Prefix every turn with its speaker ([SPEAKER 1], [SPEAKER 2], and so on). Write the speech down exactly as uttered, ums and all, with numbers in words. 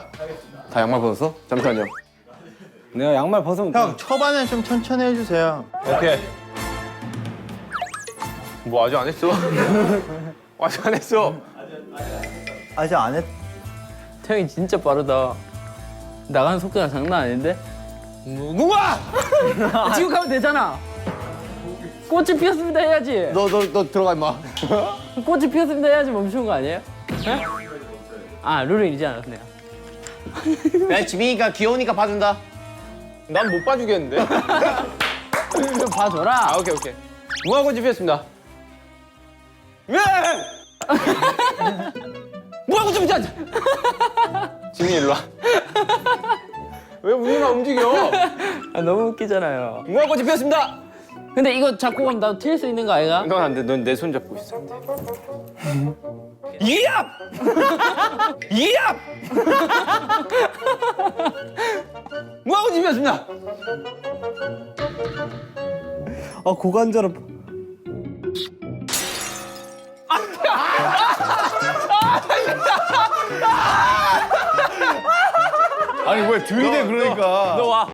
[SPEAKER 1] 다 양말 벗었어? 잠시만요.
[SPEAKER 2] 내가 양말 벗으면
[SPEAKER 3] 형 초반엔 좀 천천히 해주세요.
[SPEAKER 1] 오케이. 뭐 아직 안 했어? 아직 안 했어.
[SPEAKER 3] 아직 안 했.
[SPEAKER 4] 태형이 진짜 빠르다. 나가는 속도가 장난 아닌데?
[SPEAKER 1] 무궁화!
[SPEAKER 4] 지금 가면 되잖아. 꽃이 피었습니다 해야지.
[SPEAKER 1] 너 너 너 들어가 임마.
[SPEAKER 4] 꽃이 피었습니다 해야지 멈추는 거 아니에요? 네? 아 룰을 잊지 않았네요.
[SPEAKER 5] 야, 지민이가 귀여우니까 봐준다.
[SPEAKER 1] 난 못 봐주겠는데.
[SPEAKER 4] 좀 봐줘라.
[SPEAKER 1] 아 오케이 오케이. 무궁화꽃이 피었습니다. 왜? 무궁화꽃이 피었. 지민이 일로 와. 왜 우리만 움직여?
[SPEAKER 4] 아, 너무 웃기잖아요.
[SPEAKER 1] 무궁화꽃이 피었습니다.
[SPEAKER 4] 근데 이거 잡고 가면 나도 튈 수 있는 거 아이가?
[SPEAKER 1] 넌 안 돼. 넌 내 손 잡고 있어.
[SPEAKER 5] 이압! 이압!
[SPEAKER 1] 무궁화꽃이 피었습니다.
[SPEAKER 2] 아 고관절은
[SPEAKER 3] 아니 왜 들이대 그러니까.
[SPEAKER 1] 너 와.